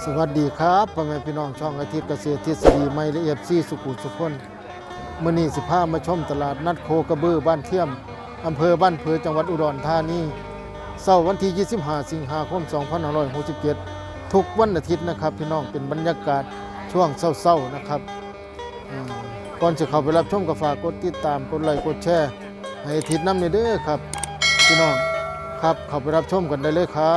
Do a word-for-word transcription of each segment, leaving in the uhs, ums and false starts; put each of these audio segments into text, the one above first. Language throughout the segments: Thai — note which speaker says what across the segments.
Speaker 1: สวัสดีครับพ่อแม่พี่น้องช่องอาทิตย์เกษตรทฤษฎีใหม่ละเอียดซีสุขุมสุขนมื้อนี้สิพามาชมตลาดนัดโคกระบือบ้านเทียมอำเภอบ้านเผือจังหวัดอุดรธานีเสาร์วันที่ยี่สิบห้าสิงหาคมสองพันห้าร้อยหกสิบเจ็ดทุกวันอาทิตย์นะครับพี่น้องเป็นบรรยากาศช่วงเศร้าๆนะครับก่อนจะเข้าไปรับชมก็ฝากกดติดตามกดไลค์กดแชร์ให้อาทิตย์นำเด้อครับพี่น้องครับเข้าไปรับชมกันได้เลยครับ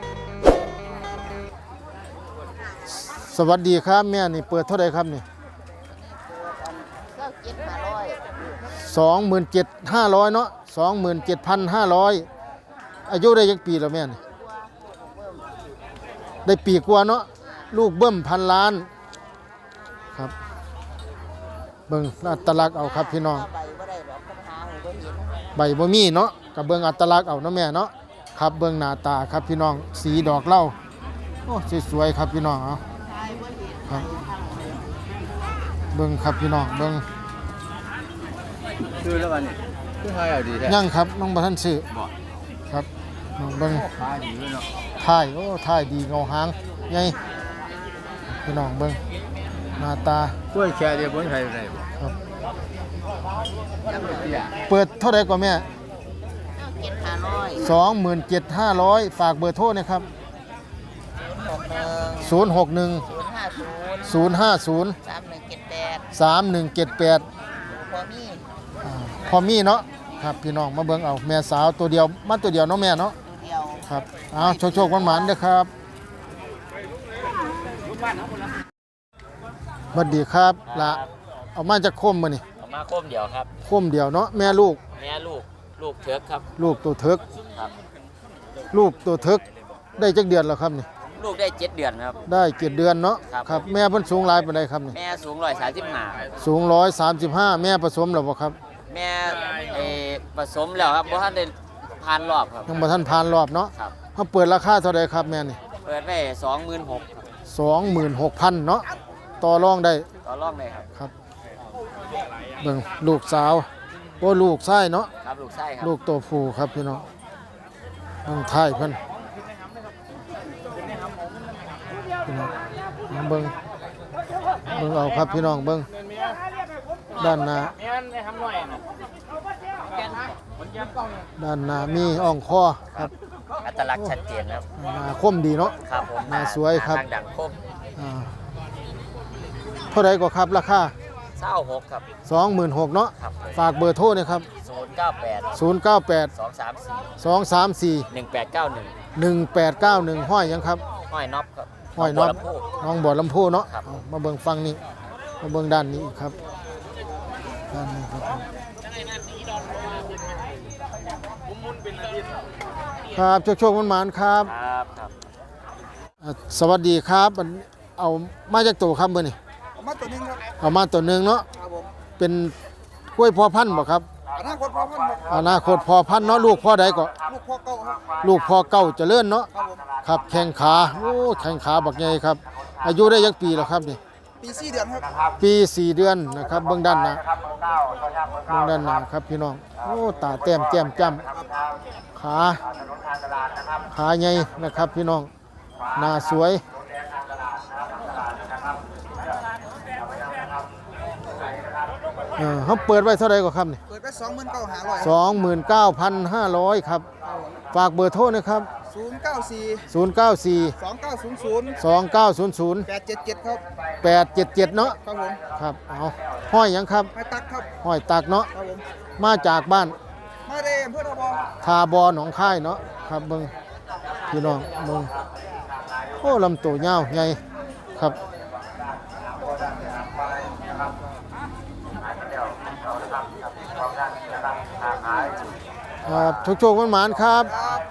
Speaker 1: สวัสดีครับแม่นี่เปิดเท่าไหร่ครับนี่สองหมื่นเจ็ดห้าร้อยเนาะสองหมื่นเจ็ดพันห้าร้อยอายุได้ยังปีแล้วแม่นี่ได้ปีกว่าเนาะลูกเบิ้มพันล้านครับเบิ่งอัตลักษณ์เอาครับพี่น้องใบบ่มีเนาะกับเบิ่งอัตลักษณ์เอาเนาะแม่เนาะครับเบิ่งหน้าตาครับพี่น้องสีดอกเหล้าโอ้สวยๆครับพี่น้องเอาครับเบิ่งครับพี่น้องเบิ่ง
Speaker 2: คือแล้ววันนี้คือไทยเอาดีแท้
Speaker 1: ยังครับน้องบ่ทันซื้อครับน้องเบิ่ง
Speaker 2: ขายดีเลยเนาะ
Speaker 1: ถ่ายโอ้ถ่ายดีเงาหางใหญ่พี่น้องเบิ่งหน้าตาก
Speaker 2: ล้วยแช่เดียวบนไทยได้บ่
Speaker 1: ครับเปิดเท่าใดกว่าแม่สองหมื่นเจ็ดห้าร้อยฝากเบอร์โทรนะครับศูนย์หกหนึ่งศูนย์ห้าศูนย์สามหนึ่งเจ็ดแปดพอมีเนาะครับพี่น้องมาเบิ่งเอาแม่สาวตัวเดียวมันตัวเดียวเนาะแม่เนาะครับเอาโชคๆหวานๆเด้อครับสวัสดีครับละเอามาจากโคมมื้อนี่
Speaker 3: เอามาโคมเดียวครับ
Speaker 1: โคมเดียวเนาะแม่ลูก
Speaker 3: แม่ลูกลูกเถิกครับ
Speaker 1: ลูกตัวเถิก
Speaker 3: ครับ
Speaker 1: ลูกตัวเถิกได้จักเดือนแล้วครับนี่
Speaker 3: ลูกได้เจ็ดเดือนครับ
Speaker 1: ได้เจ็ดเดือนเนาะครับแม่เพิ่นสูงหลายปานใดครับนี่
Speaker 3: แม่สูงร้อยสามสิบห้า
Speaker 1: สูงร้อยสามสิบห้าแม่ผสมแล้วบ่ครับ
Speaker 3: แม่เอผสมแล้วครับเพราะท่านได้ผ่านรอบครับ
Speaker 1: ยังบ่ทันผ่านรอบเนาะเฮาเปิดราคาเท่าใดครับแม่นี่
Speaker 3: เปิดไว้สองหมื่นหก
Speaker 1: สองหมื่นหกพันเนาะต่อรองได้
Speaker 3: ต่อรองได้ครับ
Speaker 1: ครับเบิ่งลูกสาวโอ้ลูกชายเนาะ
Speaker 3: ครับลูกชายครับ
Speaker 1: ลูกตัวผู้ครับพี่น้องเบิ่งท้ายเพิ่นพี่น้องเบิ่งเบิ่งเอาครับพี่น้องเบิ่งด้านหน้าด้านหน้ามีอ่องคอครับ
Speaker 3: อัตลักษณ์ชัดเจนครับ
Speaker 1: หน้าคมดีเนาะ
Speaker 3: ครับผม
Speaker 1: หน้าสวยครับ
Speaker 3: ดังคม
Speaker 1: อ่าเท่าไหร่ก็ครับราคา
Speaker 3: เศร้าหกครับ
Speaker 1: สองหมื่นหกเนาะฝากเบอร์โทรนะครับ
Speaker 3: ศูนย์เก้าแปด
Speaker 1: ศูนย์เก้าแปด
Speaker 3: สองสามสี่
Speaker 1: สองสามสี่
Speaker 3: หนึ่งแปดเก้าหนึ่ง
Speaker 1: หนึ่งแปดเก้าหนึ่งห้อยยังครับ
Speaker 3: ห้อยน็อปครับ
Speaker 1: ห้อยน็อปน้องบ่อลำพูเนาะมาเบิ่งฟังนี่มาเบิ่งด้านนี้ครับด้านนี้ครับครับโชคๆมันหมานครับ
Speaker 3: ครับครับ
Speaker 1: สวัสดีครับเอามาจากตัวครับเบอร์นี่
Speaker 2: เอามาตัวนึงครับ
Speaker 1: เอามาตัวนึงเนาะเป็นกล้วยพอพันธุ์บ่ครับ
Speaker 2: อนาคตพอพันธุ์
Speaker 1: อนาคตพอพันธุ์เนาะลูกพ่อใดก็
Speaker 2: ลูกพ่อเก่าครับ
Speaker 1: ลูกพ่อเก่าเจริญเนาะครับแข้งขาโอ้แข้งขาบักใหญ่ครับอายุได้ยักปีแล้วครับนี่
Speaker 2: ปีสี่เดือนครับ
Speaker 1: ปีสี่เดือนนะครับเบื้องด้านหน้าเบื้องด้านหน้าครับพี่น้องโอ้ตาแต้มแก้มจ้ำขาขาใหญ่นะครับพี่น้องหน้าสวยเออเขาเปิดไว้เท่าไหร่ก็ครับนี่
Speaker 2: เปิดไว้สองหมื่นเก้าห้าร้อย
Speaker 1: สองหมื่นเก้าพันห้าร้อยครับฝากเบอร์โทรนะครับ
Speaker 2: ศูนย์เก้าสี่
Speaker 1: ศูนย์เก้าสี่
Speaker 2: สองเก้าศูนย์ศูนย์
Speaker 1: สองเก้าศูนย์ศูนย์
Speaker 2: แปดเจ็ดเจ็ดครับ
Speaker 1: แปดเจ็ดเจ็ดเนาะ
Speaker 2: ครับผม
Speaker 1: ครับเอาห้อยยังครับ
Speaker 2: ห้อยตักครับ
Speaker 1: ห้อยตักเนาะ
Speaker 2: ครับผม
Speaker 1: มาจากบ้าน
Speaker 2: มาเด้อำเภอทาบอ
Speaker 1: ทาบอหนองค่ายเนาะครับเบิ่งพี่น้องเบิ่งโอ้ลำตัวยาวใหญ่ครับครับโชคๆมันหมานครับ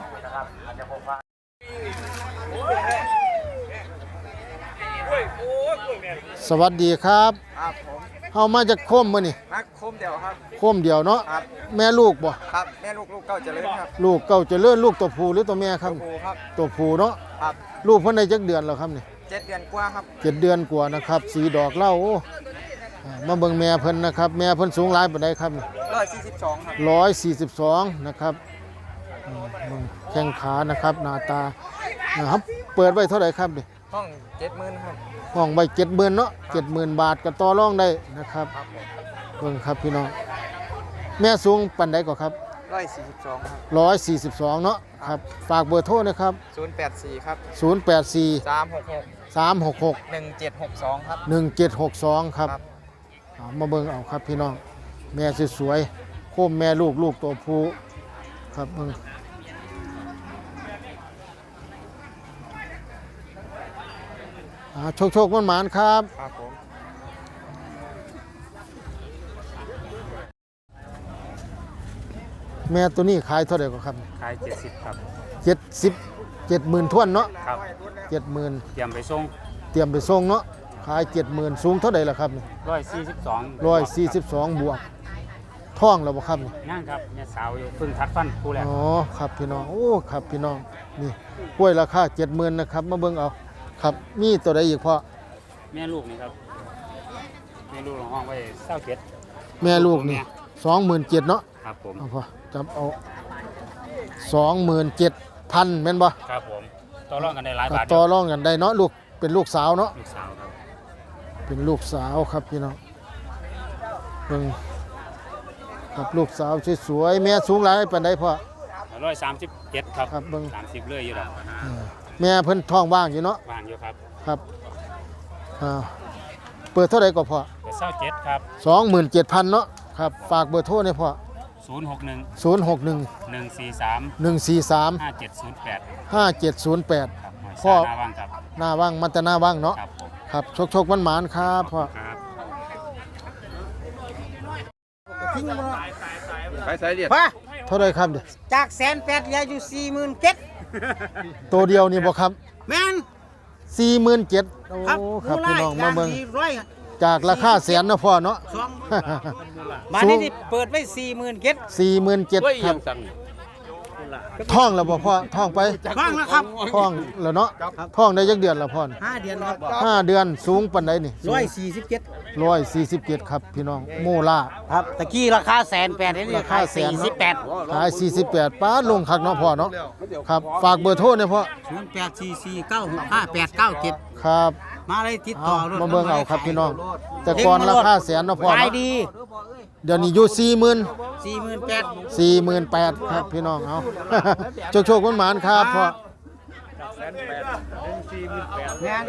Speaker 1: สวัสดีครับ
Speaker 2: ครับผม
Speaker 1: เฮามาจากโคมมื้อนี่
Speaker 2: นักโคมเดียวครับ
Speaker 1: โคมเดียวเนาะ
Speaker 2: ครับ
Speaker 1: แม่ลูกบ่
Speaker 2: ครับแม่ลูกลูกเก่าเจริญครับ
Speaker 1: ลูกเก่าเจริญลูกตัวผู้หรือตัวแม่ครับ
Speaker 2: ตัวผู้ครับ
Speaker 1: ตัวผู้เนาะ
Speaker 2: ครับ
Speaker 1: ลูกเพิ่นได้จักเดือนแล้วครับนี่
Speaker 2: เจ็ดเดือนกว่าครับ
Speaker 1: เจ็ดเดือนกว่านะครับสีดอกเหล้าโอ้มาเบิ่งแม่เพิ่นนะครับแม่เพิ่นสูงหลายปานใดครับ
Speaker 2: ร้อยสี่สิบสองครับ
Speaker 1: ร้อยสี่สิบสองนะครับแข้งขานะครับหน้าตาครับเปิดไว้เท่าไหร่ครับนี่
Speaker 2: ห้องเจ็ดหมื่นครับ
Speaker 1: ห้องไว้เจ็ดหมื่นเนาะเจ็ดหมื่นบาทก็ต่อรองได้นะครับ
Speaker 2: ครับผม
Speaker 1: เบิ่งครับพี่น้องแม่สูงปันใดก็ครับ
Speaker 2: ร้อยสี่สิบสองครับ
Speaker 1: ร้อยสี่สิบสองเนาะครับฝากเบอร์โทรนะครับ
Speaker 2: ศูนย์แปดสี่ครับ
Speaker 1: ศูนย์แปดสี่
Speaker 2: สามหกหก
Speaker 1: สามหกหก
Speaker 2: หนึ่งเจ็ดหกสองครับ
Speaker 1: หนึ่งเจ็ดหกสองครับ
Speaker 2: ครับ
Speaker 1: เอามาเบิ่งเอาครับพี่น้องแม่สวยๆโคมแม่ลูกลูกตัวผู้ครับเบิ่งอ่าโชคโชคมันหมานๆครับ
Speaker 2: ครับผม
Speaker 1: แม่ตัวนี้ขายเท่าไหร่ก็ครับ
Speaker 4: ขายเจ็ดสิบครับ
Speaker 1: เจ็ดสิบเจ็ดหมื่นท้วนเนาะ
Speaker 4: ครับ
Speaker 1: เจ็ดหมื่น
Speaker 4: เตรียมไปส่ง
Speaker 1: เตรียมไปส่งเนาะขายเจ็ดหมื่นสูงเท่าไหร่ล่ะครับ
Speaker 4: ร้อยสี่สิบสอง
Speaker 1: ร้อยสี่สิบสองบวกท่องแล้วบ่ครับ
Speaker 4: นั่งครับเนี่ยสาวอยู่เพิ่งทัดฟันคู่แรก
Speaker 1: อ๋อครับพี่น้องโอ้ครับพี่น้องนี่กล้วยราคาเจ็ดหมื่นนะครับมาเบิ่งเอาครับมีตัวใดอีกพ่อ
Speaker 4: แม่ลูกนี่ครับแม่ลูกของห้องไว้เศร้าเจ็ด
Speaker 1: แม่ลูกนี่สองหมื่นเจ็ดเนาะ
Speaker 4: ครับผม
Speaker 1: เอาพ่อจับเอาสองหมื่นเจ็ดพันแม่นบ่
Speaker 4: ครับผมต่อรองกันได้หลาย
Speaker 1: ครับ
Speaker 4: บาท
Speaker 1: ต่อรองกันได้เนาะลูกเป็นลูกสาวเนาะ
Speaker 4: ลูกสาวครับ
Speaker 1: เป็นลูกสาวครับพี่น้องเบิ่งครับลูกสาวสวยๆแม่สูงหลายปานใดพ่อ
Speaker 4: ร้อยสามสิบเจ็ดครับ
Speaker 1: ครับเบิ่ง
Speaker 4: สามสิบเลยอยู่แล้ว
Speaker 1: เออแม่เพิ่นท้องว่างอยู่เนาะ
Speaker 4: วางอยู่ครับ
Speaker 1: ครับอ่าเปิดเท่าไหร่ก็พอ
Speaker 4: แต่เศร้าเจ็ดครับ
Speaker 1: สองหมื่นเจ็ดพันเนาะครับฝากเบอร์โทรหน่อยพ่อ
Speaker 4: ศูนย์หกหนึ่ง
Speaker 1: ศูนย์หกหนึ่ง
Speaker 4: หนึ่งสี่สาม
Speaker 1: หนึ่งสี่สาม
Speaker 4: ห้าเจ็ดศูนย์แปด
Speaker 1: ห้าเจ็ดศูนย์แปด
Speaker 4: ครับหอย
Speaker 1: พ่อ
Speaker 4: สาหน้าว่างครับ
Speaker 1: หน้าว่างมันแต่หน้าว่างเนาะ
Speaker 4: ครับผม
Speaker 1: ครับชกชกมันหมานๆครับพ่อ
Speaker 4: ครับ
Speaker 2: ไปสายเดียด
Speaker 5: ว่า
Speaker 1: เท่าไหรครับเดี๋ยว
Speaker 5: จากแสนแปดเหลืออยู่สี่หมื่นเจ็ด
Speaker 1: ตัวเดียวนี่บ่ครับ
Speaker 5: แม่น
Speaker 1: สี่หมื่นเจ็ดโอ้
Speaker 5: ครับ
Speaker 1: ครับพี่น้องมาเบิ่ง
Speaker 5: สี่ร้อย
Speaker 1: จากราคาแสนเนาะพ่อเนาะ
Speaker 5: สองมานี่ที่เปิดไว้สี่หมื่นเจ็ด
Speaker 1: สี่หมื่นเจ็ดครับท่องแล้วบ่พ่อท่องไป
Speaker 5: ฟังแล้วครับ
Speaker 1: ท่องแล้วเนาะท่องได้ยักเดือนแล้วพ่อนี่
Speaker 5: ห้าเดือนครับ
Speaker 1: ห้าเดือนสูงปานใดนี่
Speaker 5: ร้อยสี่สิบเจ็ด
Speaker 1: ร้อยสี่สิบเจ็ดครับพี่น้องโมล่า
Speaker 5: ครับตะกี้ราคาแสนแปดนี่
Speaker 1: ราคาแส
Speaker 5: สี่
Speaker 1: น
Speaker 5: สิบแปด
Speaker 1: ขายสี่สิบแปดป้าลงคักเนาะพ่อเนาะครับฝากเบอร์โทรเนี่ยพ่อ
Speaker 5: ศูนย์แปดสี่สี่เก้าหกห้าแปดเก้าเจ็ด
Speaker 1: ครับ
Speaker 5: มาเลยติด
Speaker 1: เอา
Speaker 5: ต่อรถ
Speaker 1: มาเบิ่งเอาครับพี่น้อง แต่ก่อนราคาแสนเนาะพ่อ
Speaker 5: ขาย
Speaker 1: เนาะ
Speaker 5: ดี
Speaker 1: เดี๋ยวนี้อยู่สี่หมื่น
Speaker 5: สี่หมื่นแปด
Speaker 1: สี่หมื่นแปดครับพี่น้องเอา โชคโชคคุณหมานครับพ่อ
Speaker 5: แม่น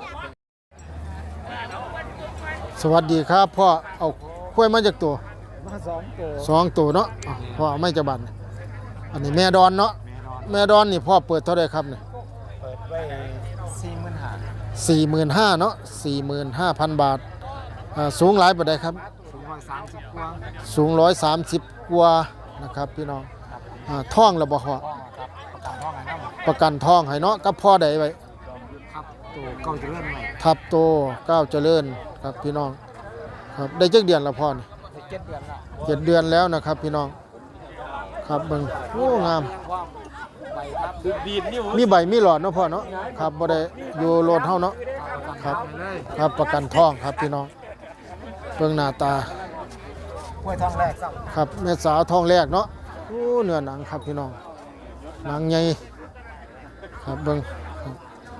Speaker 1: สวัสดีครับพ่อเอากล้วยมาจากตัวสองตัวเนาะอ้าวพ่อเอาไม่จะบันอันนี้แม่ดอนเนาะแม่ดอนนี่พ่อเปิดเท่าไหรครับเนี่ย
Speaker 2: เปิดไว้สี่หมื่นห้า
Speaker 1: สี่หมื่นห้าเนาะสี่หมื่นห้าพันบาทอ่าสูงหลายปานใดครับ
Speaker 2: สูงร้อยสามสิบกว่า
Speaker 1: สูงร้อยสามสิบกว่านะครับพี่น้องอ่าท่องระบ่พ่อ
Speaker 2: ห้องครับประกันห้องไงน้ำ
Speaker 1: ประกันท่องให้เนาะกับพ่อใดไว้
Speaker 2: ครับตัวเก่าจะเริ่มใหม่
Speaker 1: ทับโตก้าวเจริญครับพี่น้องครับได้จักเดือนละพ่อนี่
Speaker 2: เจ็ดเดือนละ
Speaker 1: เจ็ดเดือนแล้วนะครับพี่น้องครับเบิ่งโอ้งาม
Speaker 2: ว่าใบครับดีดนิ้ว
Speaker 1: มีใบมีหลอดเนาะพ่อเนาะครับบ่ได้อยู่โลดเฮาเนาะครับครับประกันท่องครับพี่น้องเบิ่งหน้าตา
Speaker 2: กล้วยทองแรกสับ
Speaker 1: ครับแม่สาวท้องแรกเนาะโอ้เนื้อหนังครับพี่น้องหนังใหญ่ครับเบิ่งครับ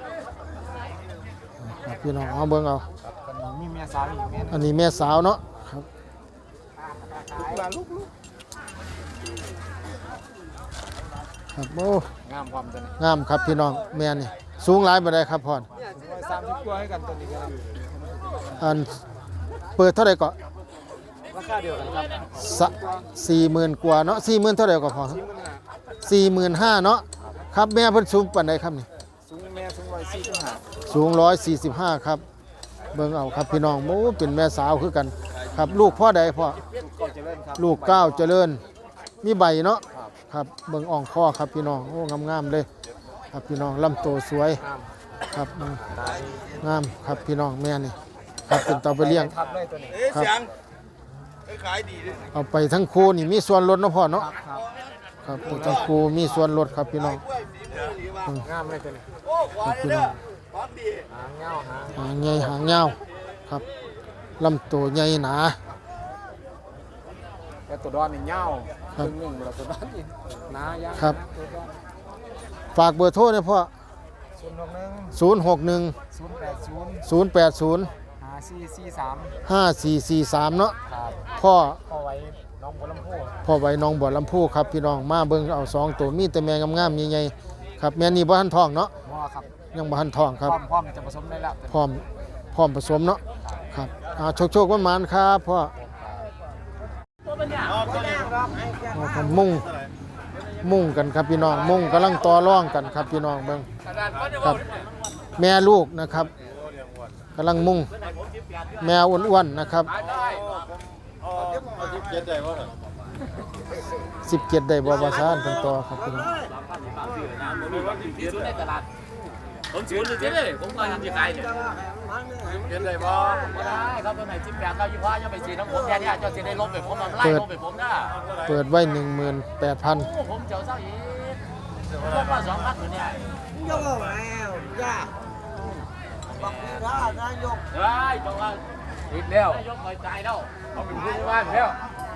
Speaker 1: ครับพี่น้องเอาเบิ่งเอา
Speaker 2: กันมีเมียสาวอีกเมีย
Speaker 1: อันนี้แม่สาวเนาะครับ
Speaker 2: ลูกหลานลูกลูก
Speaker 1: ครับโอ้
Speaker 2: งามความตัวนี้
Speaker 1: งามครับพี่น้องแม่นี่สูงหลายบ่ได้ครับพ่อ
Speaker 2: สูงร้อยสามสิบกว่าให้กันตัวนี้กัน
Speaker 1: อันเปิดเท่าไหร่ก็
Speaker 2: ราคาเดียวกันครับ
Speaker 1: สะสี่หมื่นกว่าเนาะสี่หมื่นเท่าไหร่ก็พอสี่หมื่นห้าเนาะครับแม่เพิ่นสูงปานใดครับนี่
Speaker 2: สูงแม่สูงร้อยสี่สิบห้า
Speaker 1: สูงร้อยสี่สิบห้าครับเบิ่งเอาครับพี่น้องโอ้เป็นแม่สาวคือกันครับลูกพ่อใดพ่อ
Speaker 2: ลูกเก่าจะเริ่มครับ
Speaker 1: ลูกเก้าวเจริญมีใบเนาะครับเบิ่งอ่องข้อครับพี่น้องโอ้งามๆเลยครับพี่น้องลำโตสวยครับอืม
Speaker 2: ตาย
Speaker 1: งามครับพี่น้องแม่นี่ครับเป็นเตาไปเลี้ยง
Speaker 2: ทับเลยตัวนี้
Speaker 1: ครับเอาไปทั้งคู่นี่มีส่วนลดเนาะพ่อเนาะ
Speaker 2: ครับ
Speaker 1: ครับไปทั้งคู่มีส่วนลดครับพี่น้อง
Speaker 2: งามเลยตัวนี้
Speaker 1: ครับพี่น้อง
Speaker 2: หางเงาหาง
Speaker 1: หางใหญ่หางยาวครับลำตัวใหญ่หนา
Speaker 2: แต่ตัวดอนนี่เงา
Speaker 1: ครับ
Speaker 2: หนึ่งเวลาตัวดอนนี่หนายาว
Speaker 1: ครับ
Speaker 2: ตัวดอน
Speaker 1: ฝากเบอร์โทรเนี่ยพ่อ
Speaker 2: ศศูนย์หกหนึ่ง
Speaker 1: ศูนย์หกหนึ่ง
Speaker 2: ศูนย์แปดศูนย์
Speaker 1: ศูนย์แปดศูนย์
Speaker 2: ห้าสี่สี่สาม
Speaker 1: ห้าสี่สี่สามเนาะ
Speaker 2: ครับ
Speaker 1: พ่อ
Speaker 2: พ่อไว้น้องบัวลำพู
Speaker 1: พ่อไว้น้องบ่อลำพูครับพี่น้องมาเบิ่งเอาสองตัวมีแต่แม่งามๆใหญ่ๆครับแม่นี่บ่ทันท้องเนาะ
Speaker 2: พ่อครับ
Speaker 1: ยังบ่ทันท้องครับ
Speaker 2: พร้อมพร้อมจะผสมได้แล้ว
Speaker 1: พร้อมพร้อมผสมเนาะครับอ่าโชคโชควันหมานครับพ่อเอาครับมุ่งมุ่งกันครับพี่น้องมุ่งกำลังต่อร่องกันครับพี่น้องเบิ่งครับแม่ลูกนะครับกำลังมุ่งแมวอ้วนๆนะครับสิบเจ็ดได้บ่ภาษาอันเป็นต่อครับพี่น้อง
Speaker 3: ผมศูนย์เลยเลยผมก็ยังจะขายเนี่ย
Speaker 2: เห็นเลยบ่
Speaker 3: ไม่ได้ครับตัวไหนจิ้มแกงข้าวยี่ห้อยังไปฉีดน้ำผมแค่นี้เจ้าจะได้ลบไปผมมาไล่ลบไปผมนะ
Speaker 1: เปิดไว้หนึ่งหมื่นแปดพัน
Speaker 3: ผมเจ้าเศร้าอีกลบมาสองพันตัวเนี่ย
Speaker 5: ยกแล้วจ้าบักท่านายก
Speaker 3: เฮ้ยบอกว่า
Speaker 2: ติดแล้ว
Speaker 3: นายกคอยตายแล้ว
Speaker 2: เอาเป็นผู้ว่าแล้ว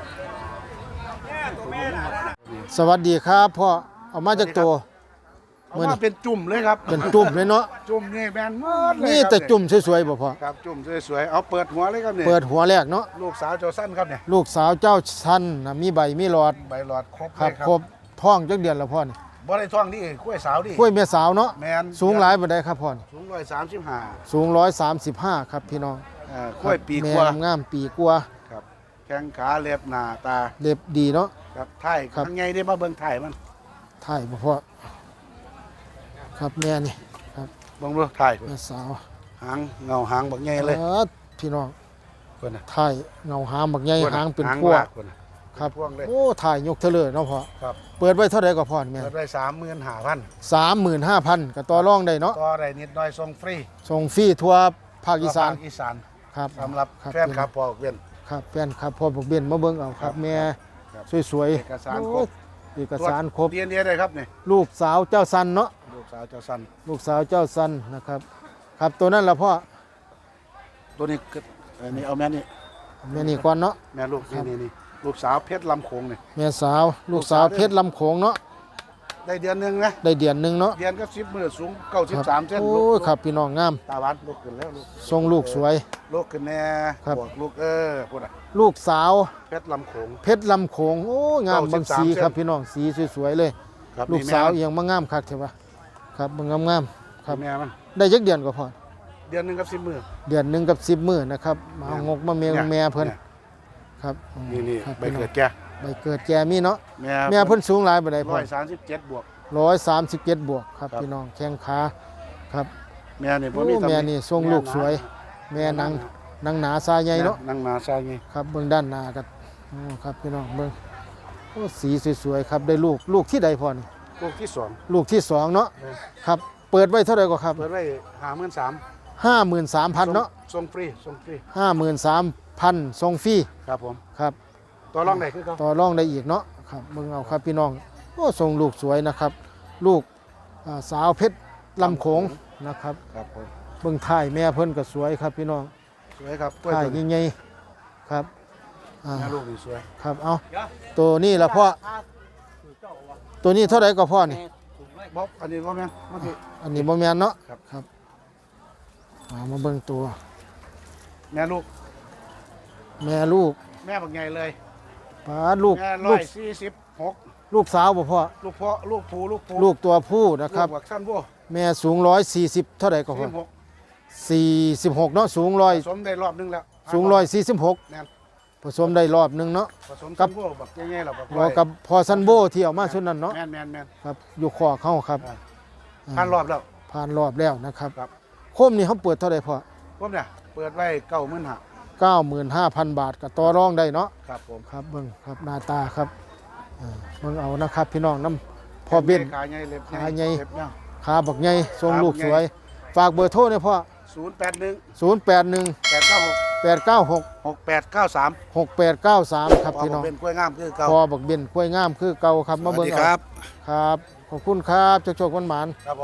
Speaker 1: สวัสดีครับพ่อเอามาจากตัว
Speaker 6: เอามาเป็นจุ่มเลยครับ
Speaker 1: เป็นจุ่มเลยเนาะ
Speaker 6: จุ่มนี่แมนหมดเลย
Speaker 1: นี่
Speaker 6: ครับ
Speaker 1: แต่จุ่มสวยๆบ่พ่อ
Speaker 6: ครับจุ่มสวยๆเอาเปิดหัวเลยครับเนี่ย
Speaker 1: เปิดหัวแรกเนาะ
Speaker 6: ลูกสาวโจสั้นครับเนี่ย
Speaker 1: ลูกสาวเจ้าชันน่ะมีใบมีหลอด
Speaker 6: ใบหลอดครบ
Speaker 1: ครั
Speaker 6: เล
Speaker 1: บ
Speaker 6: ยครับ
Speaker 1: ครบท้องจักเดือนแล้วพ่อนี่
Speaker 6: บ่ได้ท้องนี่กล้วยสาวดิ
Speaker 1: กล้วยแม่สาวเนาะ
Speaker 6: แมน
Speaker 1: สูงหลายบ่ได้ครับพ่อนี่
Speaker 6: สูงร้อยสามสิบห้า
Speaker 1: สูงหนึ่งร้อยสามสิบห้าครับพี่น้อง
Speaker 6: อ่ากล้วยปี
Speaker 1: แม่
Speaker 6: กว่า
Speaker 1: งามปีกว่า
Speaker 6: ครับแข้งขาเล็บหน้าตา
Speaker 1: เล็บดีเนาะ
Speaker 6: ครับไถ่าย
Speaker 1: ครับ
Speaker 6: ข้างไงได้มาเบิ่งไถ่ายมัน
Speaker 1: ถ่ายบ่พ่อครับแม่นี่ครับ
Speaker 6: เบิ่งดูไถ่าย
Speaker 1: แม่สาว
Speaker 6: หางเงาหางบักใหญ่เลย
Speaker 1: เออพี่น้อง
Speaker 6: คนน่ะ
Speaker 1: ถ่ายเงาหางบักใหญ่
Speaker 6: คนน่ะ
Speaker 1: หางเป็น
Speaker 6: หาง
Speaker 1: พวก
Speaker 6: ลากคนน่ะ
Speaker 1: ครับ
Speaker 6: เป็นพวงเลย
Speaker 1: โอ้ถ่ายยกเทเลอเนาะพ่อ
Speaker 6: ครับ
Speaker 1: เปิดไว้เท่าไหร่ก็พ่อนี่แม่
Speaker 6: เปิดไว้สามหมื่นห้าพัน
Speaker 1: สามหมื่นห้าพันก็ต่อรองได้เนาะ
Speaker 6: ต่อได้นิดหน่อยส่งฟรี
Speaker 1: ส่งฟรีทั่วภาคอีสาน
Speaker 6: ภคอีสาน
Speaker 1: ครับ
Speaker 6: สำหรับ
Speaker 1: ครับ
Speaker 6: แฟนคลับพอเวียน
Speaker 1: ครับแฟนครับพ่อบอกเบียนมาเบิ่งเอาครับแม่
Speaker 6: ครับ
Speaker 1: สวย
Speaker 6: เอกสาร
Speaker 1: ๆ
Speaker 6: ครบ
Speaker 1: โอ้เอกสารครบ
Speaker 6: เดียนเดียได้ครับนี่
Speaker 1: ลูกสาวเจ้าสันเนาะ
Speaker 6: ลูกสาวเจ้าสัน
Speaker 1: ลูกสาวเจ้าสันนะครับ ครับตัวนั้นละพ่อ
Speaker 6: ตัวนี้ก็อันนี้เอาแม่นี่
Speaker 1: แม่นี่ก่อนเนาะ
Speaker 6: แม่ลูกนี่นี่นี่ลูกสาวเพชรลำโขงนี่
Speaker 1: แม่สาวลูกสาวเพชรลำโขงเนาะ
Speaker 6: ได้เดือนหนึงนะ
Speaker 1: ได้เดือนหนึงเนาะ
Speaker 6: เดือนก็สิบมือสูงเก้าสิบ
Speaker 1: ครับ
Speaker 6: สามเส้น
Speaker 1: โอ้
Speaker 6: ลู
Speaker 1: ย
Speaker 6: ก
Speaker 1: ครับพี่น้องงาม
Speaker 6: ตาหวานลูกขึ้นแล้วลูก
Speaker 1: ทรงลูกสวย
Speaker 6: ลูกขึ้นแน่
Speaker 1: ครับ
Speaker 6: บวกลูกเออพูดอ่ะ
Speaker 1: ลูกสาว
Speaker 6: เพชรลำโขง
Speaker 1: เพชรลำโขงโอ้งาม
Speaker 6: เก้าสิ
Speaker 1: บาง
Speaker 6: บสาม
Speaker 1: สีครับ
Speaker 6: เส้น
Speaker 1: พี่น้องสีสวยๆเลย
Speaker 6: ครับ
Speaker 1: ลูก
Speaker 6: นี่
Speaker 1: สาว
Speaker 6: แม่
Speaker 1: เอียงมางามคักเถอะวะครับมันงามๆครับ
Speaker 6: แม่มัน
Speaker 1: ได้จักเดือนก็พอ
Speaker 6: เดือนหนึงกับสิบมือ
Speaker 1: เดือนหนึ่งกับสิบมื้อนะครับมาเอางกมาเมียแม่เพิ่น
Speaker 6: ย
Speaker 1: ครับอืม
Speaker 6: นี่นี่
Speaker 1: ครับ
Speaker 6: ใบ
Speaker 1: พี่น้อง
Speaker 6: เกิดแก
Speaker 1: ใบเกิดแกมีเนาะ
Speaker 6: แม่
Speaker 1: แม่เพิ่นสูงหลายบ่ได้พ่
Speaker 6: ร้
Speaker 1: อ
Speaker 6: อยสามสิบเจ็ดบวก
Speaker 1: ร้อยสามสิบเจ็ดบวกครับ
Speaker 6: ครับ
Speaker 1: พี่น้องแข้งขาครับ
Speaker 6: แม่นี่บ่
Speaker 1: โอ้
Speaker 6: มีตำห
Speaker 1: แม่นี่ทรงลูกสวย แม่นางนางหนาซาใหญ่เนาะ
Speaker 6: นั่งหนาซาไง
Speaker 1: ครับเบิ่งด้านหน้ากันโอ้ครับพี่น้องเบิ่งโอ้สีสวยๆครับได้ลูกลูกที่ใดพ่อนี่
Speaker 6: ลูกที่สอง
Speaker 1: ลูกที่สองเนาะครับเปิดไว้เท่าไหร่ก็ครับ
Speaker 6: เปิดไว้ห้าหมื่นสาม
Speaker 1: ห้าหมื่นสามพันเนาะ
Speaker 6: ส่งฟรีส่งฟรี
Speaker 1: ห้าหมื่นสามพันส่งฟรี
Speaker 6: ครับผม
Speaker 1: ครับ
Speaker 6: ตัวรองได้คือเขา
Speaker 1: ต่อรองได้อีกเนาะครับเบิ่งเอาครับพี่น้องโอ้ทรงลูกสวยนะครับ ลูกอ่าสาวเพชรลำโขงนะครับ
Speaker 6: ครับผม
Speaker 1: เบิ่งถ่ายแม่เพิ่นก็สวยครับพี่น้อง
Speaker 6: สวยครับกล้วย
Speaker 1: ถ่าย
Speaker 6: ตัวนี้
Speaker 1: ใหญ่ๆครับอ่า
Speaker 6: แม่ลูกนี่สวย
Speaker 1: ครับเอาตัวนี้ละพ่อตัวนี้เท่าไหร่ก็พ่อนี่
Speaker 6: บ๊อบอันนี้ก็แม่นมันคือ
Speaker 1: อันนี้บ่แม่นเนาะ
Speaker 6: ครับ
Speaker 1: ครับเอามาเบิ่งตัว
Speaker 6: แม่ลูก
Speaker 1: แม่ลูก
Speaker 6: แม่บักใหญ่เลย
Speaker 1: ป้าลูก
Speaker 6: แม่ร้
Speaker 1: ลู
Speaker 6: อก ยสี่สิบหก
Speaker 1: ลูกสาวบ่พ่อ
Speaker 6: ลูกพ่อลูกผู้ลูกผู้
Speaker 1: ลูกตัวผู้นะครับ
Speaker 6: ลูกบักสั้นพวก
Speaker 1: แม่สูงร้อยสี่สิบเท่าไหร่ก็พ่
Speaker 6: สี่
Speaker 1: อ
Speaker 6: หก
Speaker 1: สี่สิบหกเนาะสูงร้อย
Speaker 6: ผสมได้รอบนึงแล้ว
Speaker 1: สูงร้อยสี่สิบหก
Speaker 6: แม่น
Speaker 1: ผสมได้รอบหนึงเนาะ
Speaker 6: ผสม
Speaker 1: กั
Speaker 6: กับ นพวกบักใหญ่ๆเราบัก
Speaker 1: รอกับพอซันโบที่เอามาชุดนั้นเนาะ
Speaker 6: แม่นแม่นแม่น
Speaker 1: ครับอยู่คอเข้าครับ
Speaker 6: อ่า
Speaker 1: อ่า
Speaker 6: ผ่านรอบแล้ว
Speaker 1: ผ่านรอบแล้วนะครับ
Speaker 6: ครับ
Speaker 1: โคมนี่เขาเปิดเท่าไหร่พ่อ
Speaker 6: ผมเนี่ยเปิดไว้เก้าหมื่นห้า
Speaker 1: เก้าหมื่นห้าพันบาทกับต่อรองได้เนาะ
Speaker 6: ครับผม
Speaker 1: ครับเบิ่งครับหน้าตาครับอ่าเบิ่งเอานะครับพี่น้องน้ำพ่อเบี้ยน
Speaker 6: ขาใหญ่เล็บ
Speaker 1: ขาใหญ่
Speaker 6: เล็บเนี่ย
Speaker 1: ขาบักใหญ่ทรงลูก
Speaker 6: ขาบักใหญ่
Speaker 1: สวย ฝากเบอร์โทรเนี่ยพ่อ
Speaker 6: ศูนย์แปดหนึ่ง
Speaker 1: ศูนย์แปดหนึ่ง
Speaker 6: แปดเก้าหก
Speaker 1: แปดเก้าหก
Speaker 6: หกแปดเก้าสาม
Speaker 1: หกแปดเก้าสามครับ
Speaker 6: พอ
Speaker 1: พี่
Speaker 6: ผ
Speaker 1: น้
Speaker 6: ม
Speaker 1: อง
Speaker 6: เป็นกล้วยงามคือเก่า
Speaker 1: พอบักเบี้ยนกล้วยงามคือเก่าครับมาเบิ่ง
Speaker 6: สวัสดี
Speaker 1: เอา
Speaker 6: ครับ
Speaker 1: ครับ ขอบคุณครับโชคๆหวาน
Speaker 6: ครับผม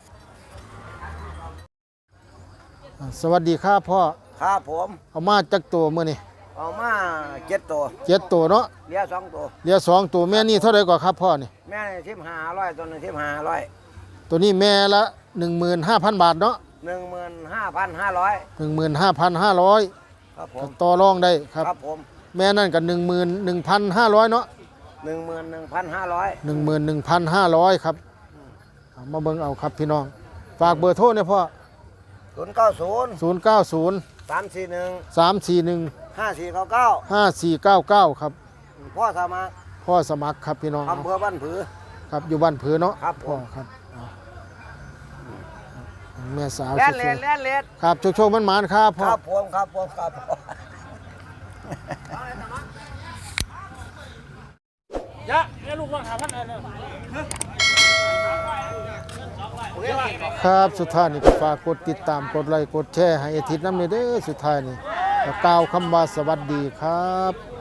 Speaker 1: ๆอ่าสวัสดีครับพ่อ
Speaker 5: ครับผม
Speaker 1: เอามาจักตัวมื้อนี้
Speaker 5: เอามาเจ็ดตัว
Speaker 1: เจ็ดตัวเนาะ
Speaker 5: เหลี้ยสองตัว
Speaker 1: เหลือสองตัวแม่นี่เท่าไหร่กว่าครับพ่อนี่
Speaker 5: แม่ทิมหาร้อยตัวหนึงทิมหาร้อย
Speaker 1: ตัวนี้แม่ละ หนึ่งหมื่นห้าพัน บาทเนาะ
Speaker 5: หนึ่งหมื่นห้าพันห้าร้อย
Speaker 1: หนึ่งหมื่นห้าพันห้าร้อย
Speaker 5: ครับผม
Speaker 1: ต่อรองได้ครับ
Speaker 5: ครับผม
Speaker 1: แม่นั่นก็หนึ่งหมื่นหนึ่งพันห้าร้อยเนาะ
Speaker 5: หนึ่งหมื่นหนึ่งพันห้าร้อย
Speaker 1: หนึ่งหมื่นหนึ่งพันห้าร้อยครับเอามาเบิ่งเอาครับพี่น้อง ฝากเบอร์โทรเนี่ยพ่อ
Speaker 5: ศูนย์เก้าศูนย์
Speaker 1: ศูนย์ เก้า ศูนย์
Speaker 5: สามสี่หนึ่ง
Speaker 1: สาม สี่ หนึ่ง
Speaker 5: ห้าสี่เก้าเก้า
Speaker 1: ห้า สี่ เก้า เก้าครับ
Speaker 5: พ่อสามา
Speaker 1: พ่อสมัครครับพี่น้อง
Speaker 5: อำเภอบ้านผือ
Speaker 1: ครับอยู่บ้านผือเนาะ
Speaker 5: ครับผม
Speaker 1: พ่อครับเอาแม่สาว
Speaker 5: แล่น
Speaker 1: ส
Speaker 5: เล
Speaker 1: วย
Speaker 5: ดแล่นเลด
Speaker 1: ๆครับโชคๆมันหมานๆครับ
Speaker 5: ค
Speaker 1: พ่อ
Speaker 5: รับผมครับผมครับผม
Speaker 4: ยะแม่ลูกว่างหาพันอะไรเนี่ย
Speaker 1: ครับสุดท้ายนี่ก็ฝากกดติดตามกดไลค์กดแชร์ให้อาทิตย์น้ำเนยเด้อสุดท้ายนี่ก็กล่าวคำว่าสวัสดีครับ